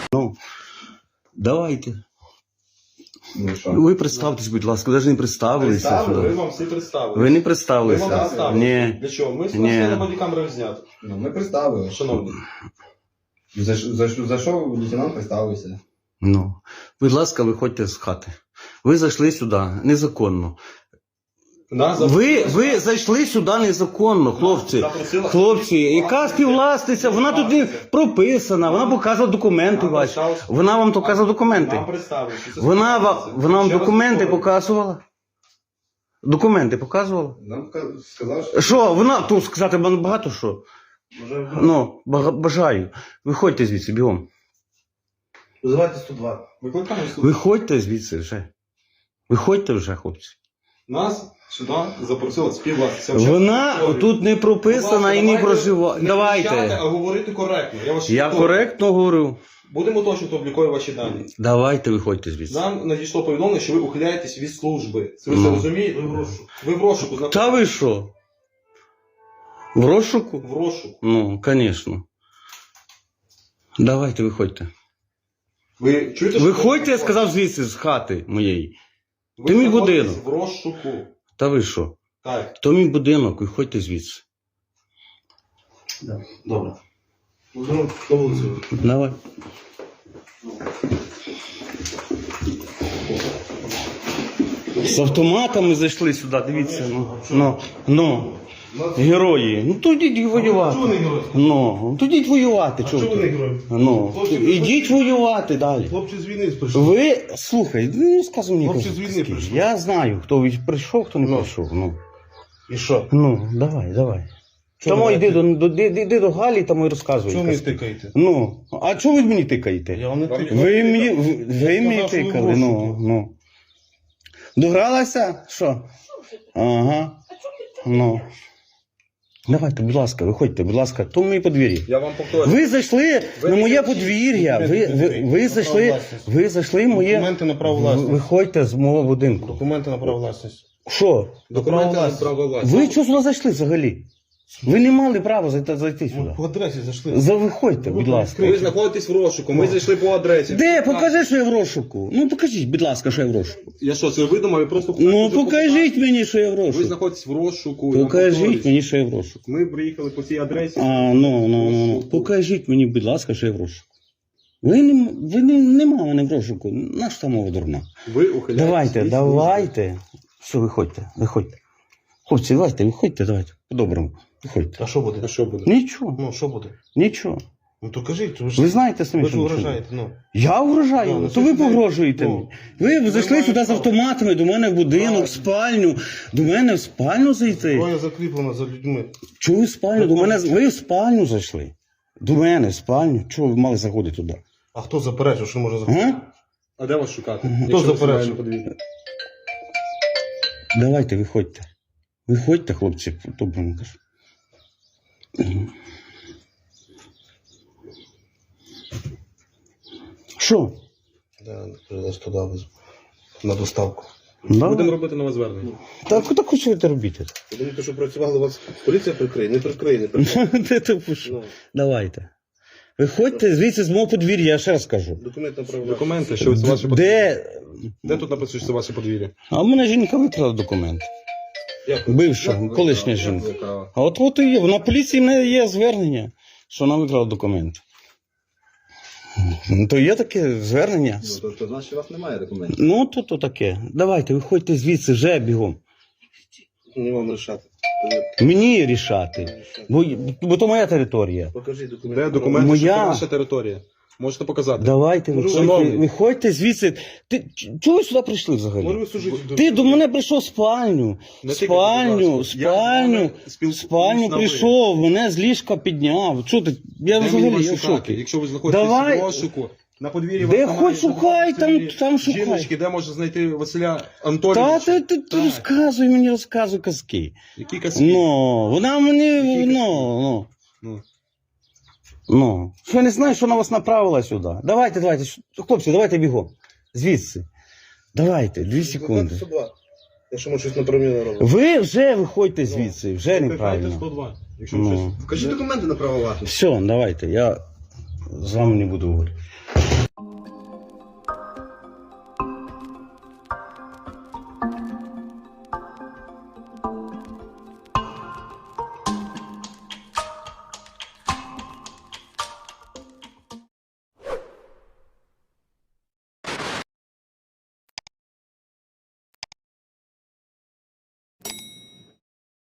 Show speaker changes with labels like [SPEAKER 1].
[SPEAKER 1] Ну, давайте.
[SPEAKER 2] Ну, що?
[SPEAKER 1] Ви представтесь, будь ласка, ви навіть не представилися.
[SPEAKER 2] Представили, ви вам всі представили.
[SPEAKER 1] Ви не
[SPEAKER 2] Ви вам
[SPEAKER 1] представилися.
[SPEAKER 2] представили.
[SPEAKER 1] Ні.
[SPEAKER 2] Для чого? Ми
[SPEAKER 1] Ні.
[SPEAKER 2] спросили бодікамеру зняти.
[SPEAKER 3] Ну, ми представили.
[SPEAKER 2] Шановні.
[SPEAKER 3] За що лейтенант представився?
[SPEAKER 1] Ну, будь ласка, виходьте з хати. Ви зайшли сюди незаконно.
[SPEAKER 2] Нас
[SPEAKER 1] Ви зайшли сюди незаконно, хлопці.
[SPEAKER 2] запросила-
[SPEAKER 1] Хлопці, яка співвласниця, вона тут не прописана, вона показувала документи
[SPEAKER 2] Нам
[SPEAKER 1] ваші.
[SPEAKER 2] представилась-
[SPEAKER 1] Вона вам показала документи.
[SPEAKER 2] Нам представили, що це
[SPEAKER 1] Вона
[SPEAKER 2] співвласниця.
[SPEAKER 1] вам
[SPEAKER 2] Ще раз
[SPEAKER 1] документи
[SPEAKER 2] повторюю.
[SPEAKER 1] показувала? Документи показувала?
[SPEAKER 3] Нам сказав, що...
[SPEAKER 1] Що, вона тут сказати багато що?
[SPEAKER 3] Може,
[SPEAKER 1] Ну, бажаю. Виходьте звідси, бігом.
[SPEAKER 3] визивайте 102.
[SPEAKER 2] Викликаємо суд.
[SPEAKER 1] Виходьте звідси вже. Виходьте вже, хлопці.
[SPEAKER 2] Нас сюди запросила співвласниця.
[SPEAKER 1] Вона тут не прописана і не проживає.
[SPEAKER 2] А
[SPEAKER 1] Давайте.
[SPEAKER 2] говорити коректно.
[SPEAKER 1] Я коректно говорю.
[SPEAKER 2] Будемо точно обліковувати ваші дані.
[SPEAKER 1] Давайте виходьте звідси.
[SPEAKER 2] Нам надійшло повідомлення, що ви ухиляєтесь від служби. Це ви це
[SPEAKER 1] Ну.
[SPEAKER 2] розумієте? Ви в розшуку. знаходитесь.
[SPEAKER 1] Та ви що? В розшуку?
[SPEAKER 2] В розшуку.
[SPEAKER 1] Ну, звісно. Давайте виходьте.
[SPEAKER 2] Ви чуєте, що
[SPEAKER 1] Виходьте, я
[SPEAKER 2] ви-
[SPEAKER 1] сказав звідси з хати моєї.
[SPEAKER 2] Ви
[SPEAKER 1] Ти мій
[SPEAKER 2] знаходитесь
[SPEAKER 1] будинок.
[SPEAKER 2] в розшуку.
[SPEAKER 1] Та ви що?
[SPEAKER 2] Так.
[SPEAKER 1] То мій будинок, виходьте звідси.
[SPEAKER 3] Добре. Ну, на вулицю.
[SPEAKER 1] Давай. З автоматами зайшли сюди, дивіться. Ну. Герої. Ну то йдіть воювати.
[SPEAKER 3] Чого не герой?
[SPEAKER 1] Ну, то йдіть воювати.
[SPEAKER 3] Чого ви не
[SPEAKER 1] ти?
[SPEAKER 3] герой?
[SPEAKER 1] Ну,
[SPEAKER 3] Хлопці,
[SPEAKER 1] ідіть воювати далі.
[SPEAKER 3] Хлопці з війни прийшли.
[SPEAKER 1] Ви, слухай, не сказуй мені.
[SPEAKER 3] Хлопці
[SPEAKER 1] казки.
[SPEAKER 3] з війни прийшли.
[SPEAKER 1] Я знаю, хто прийшов, хто не
[SPEAKER 3] Ну.
[SPEAKER 1] прийшов. Ну,
[SPEAKER 3] І що?
[SPEAKER 1] давай.
[SPEAKER 3] Чого
[SPEAKER 1] Тому
[SPEAKER 3] ви
[SPEAKER 1] йди до Галі, там і розказуй.
[SPEAKER 3] Чого мені
[SPEAKER 1] казки.
[SPEAKER 3] тикаєте?
[SPEAKER 1] Ну, а чого ви мені тикаєте?
[SPEAKER 3] Я вам не
[SPEAKER 2] Вам
[SPEAKER 3] тикаю.
[SPEAKER 1] Ви мені
[SPEAKER 3] сказав, що ви
[SPEAKER 1] тикали,
[SPEAKER 3] в
[SPEAKER 1] ну,
[SPEAKER 3] розшуку.
[SPEAKER 1] ну. Догралася? Що? Ага. Ну. Давайте, будь ласка, виходьте, будь ласка, то моє подвір'я.
[SPEAKER 2] Я вам повторюю.
[SPEAKER 1] Ви зайшли
[SPEAKER 2] Ви
[SPEAKER 1] на
[SPEAKER 2] не
[SPEAKER 1] моє
[SPEAKER 2] кричіть.
[SPEAKER 1] подвір'я. Ви зайшли в моє.
[SPEAKER 3] Документи на право власності.
[SPEAKER 1] Виходьте з мого будинку.
[SPEAKER 3] Документи на право власності.
[SPEAKER 1] Що?
[SPEAKER 2] Документи на право власності.
[SPEAKER 1] Ви чого сюди зайшли взагалі? Ви не мали права зайти сюди.
[SPEAKER 3] По адресі зайшли.
[SPEAKER 1] Виходьте, будь ласка.
[SPEAKER 2] Ви знаходитесь в розшуку, ми зайшли по адресі.
[SPEAKER 1] Де? Покажи, що я в розшуку. Ну покажіть, будь ласка, що я в розшуку.
[SPEAKER 2] Я що, це видумав? Я просто...
[SPEAKER 1] Ну покажіть мені, що я в
[SPEAKER 2] Ви
[SPEAKER 1] розшуку.
[SPEAKER 2] знаходитесь в розшуку. я вам
[SPEAKER 1] Покажіть
[SPEAKER 2] повторююсь.
[SPEAKER 1] мені, що я в розшуку.
[SPEAKER 2] Ми приїхали по цій адресі.
[SPEAKER 1] Ну. Покажіть мені, будь ласка, що я в розшуку. Нема мене в розшуку. Наша та мова дурна.
[SPEAKER 2] Ви ухиляєтесь.
[SPEAKER 1] Давайте. Все, виходьте. Хлопці, виходьте, давайте. По-доброму. Виходьте.
[SPEAKER 3] А що буде?
[SPEAKER 2] А що буде?
[SPEAKER 1] Нічого.
[SPEAKER 3] Ну, що буде?
[SPEAKER 1] Нічого.
[SPEAKER 3] Ну, то кажіть,
[SPEAKER 1] Ви знаєте самі,
[SPEAKER 3] ви ж
[SPEAKER 1] що буде.
[SPEAKER 3] угрожаєте, ну.
[SPEAKER 1] Я угрожаю,
[SPEAKER 3] Ну,
[SPEAKER 1] то ви
[SPEAKER 3] це ж
[SPEAKER 1] погрожуєте
[SPEAKER 3] ну,
[SPEAKER 1] мені. Ви зайшли
[SPEAKER 3] маєте
[SPEAKER 1] сюди з
[SPEAKER 3] право.
[SPEAKER 1] автоматами, до мене в будинок, в спальню. До мене в спальню зайти.
[SPEAKER 3] Зброя закріплена за людьми.
[SPEAKER 1] Чого ви в спальню? Ви в спальню зайшли. До мене в спальню. Чого ви мали заходити туди?
[SPEAKER 3] А хто заперечив, що може заходити?
[SPEAKER 1] А?
[SPEAKER 2] А де вас шукати?
[SPEAKER 1] Хто
[SPEAKER 2] Якщо ви
[SPEAKER 3] заперечив?
[SPEAKER 2] себе не подивіться.
[SPEAKER 1] Давайте, виходьте. Виходьте, хлопці, по-доброму кажу. Що?
[SPEAKER 3] Я 102 везу. На доставку.
[SPEAKER 1] Да?
[SPEAKER 2] Будемо робити нове звернення.
[SPEAKER 1] Так що ви це робите?
[SPEAKER 3] Я думаю, що працювали у вас поліція прикриє, не прикриє.
[SPEAKER 1] Де то пишу?
[SPEAKER 3] Ну,
[SPEAKER 1] Давайте. Виходьте звідси з мого подвір'я, я ще раз кажу.
[SPEAKER 3] документ на право
[SPEAKER 2] Документи, що це ваші подвір'я.
[SPEAKER 1] Де?
[SPEAKER 2] Де тут написано, що це ваше подвір'я?
[SPEAKER 1] А в мене жінка викрала документ.
[SPEAKER 3] Дякую.
[SPEAKER 1] Бивша, колишня жінка. А от і є. На поліції в мене є звернення, що вона викрала документ. Ну, то є таке звернення.
[SPEAKER 3] Ну, то значить, у вас немає документів.
[SPEAKER 1] Ну, то таке. Давайте, виходьте звідси вже бігом.
[SPEAKER 3] Не вам рішати.
[SPEAKER 1] Мені рішати. Бо то моя територія.
[SPEAKER 3] Покажіть документи.
[SPEAKER 2] Де документи, що
[SPEAKER 1] Моя-
[SPEAKER 2] це ваша територія? Можете показати.
[SPEAKER 1] Давайте,
[SPEAKER 2] Шановний.
[SPEAKER 1] виходьте звідси. Чого ви сюди прийшли взагалі?
[SPEAKER 3] Може ви служите?
[SPEAKER 1] Ти до мене прийшов в спальню.
[SPEAKER 2] Не
[SPEAKER 1] В
[SPEAKER 2] тикайте,
[SPEAKER 1] спальню,
[SPEAKER 2] будь ласка. Я з вами спілкуюсь
[SPEAKER 1] спальню
[SPEAKER 2] на ви.
[SPEAKER 1] прийшов, мене з ліжка підняв. Що ти? Я
[SPEAKER 2] Де мені
[SPEAKER 1] взагалі
[SPEAKER 2] вас
[SPEAKER 1] я в
[SPEAKER 2] шукати?
[SPEAKER 1] шокі.
[SPEAKER 2] Якщо ви знаходитесь
[SPEAKER 1] Давай.
[SPEAKER 2] в розшуку, на подвір'ї
[SPEAKER 1] Де
[SPEAKER 2] вас
[SPEAKER 1] хоч
[SPEAKER 2] немає
[SPEAKER 1] шукай,
[SPEAKER 2] жодної
[SPEAKER 1] там шукай.
[SPEAKER 2] жіночки, де можна знайти Василя
[SPEAKER 1] Та
[SPEAKER 2] Анатолійовича.
[SPEAKER 1] ти
[SPEAKER 2] Так.
[SPEAKER 1] розказуй мені, розказуй казки.
[SPEAKER 2] Які казки?
[SPEAKER 1] Ну, вона мені,
[SPEAKER 2] Які
[SPEAKER 1] ну.
[SPEAKER 2] Ну.
[SPEAKER 1] Що я не знаю, що вона вас направила сюди. Давайте, хлопці, давайте бігом. Звідси. Давайте, 2 секунди.
[SPEAKER 3] 102. Якщо ми щось неправильно робимо.
[SPEAKER 1] Ви вже виходьте звідси, вже
[SPEAKER 2] Викликайте
[SPEAKER 1] неправильно.
[SPEAKER 2] 102. Якщо ви
[SPEAKER 1] Ну.
[SPEAKER 2] щось...
[SPEAKER 3] Покажіть документи на право власності.
[SPEAKER 1] Все, давайте, я з вами не буду говорити.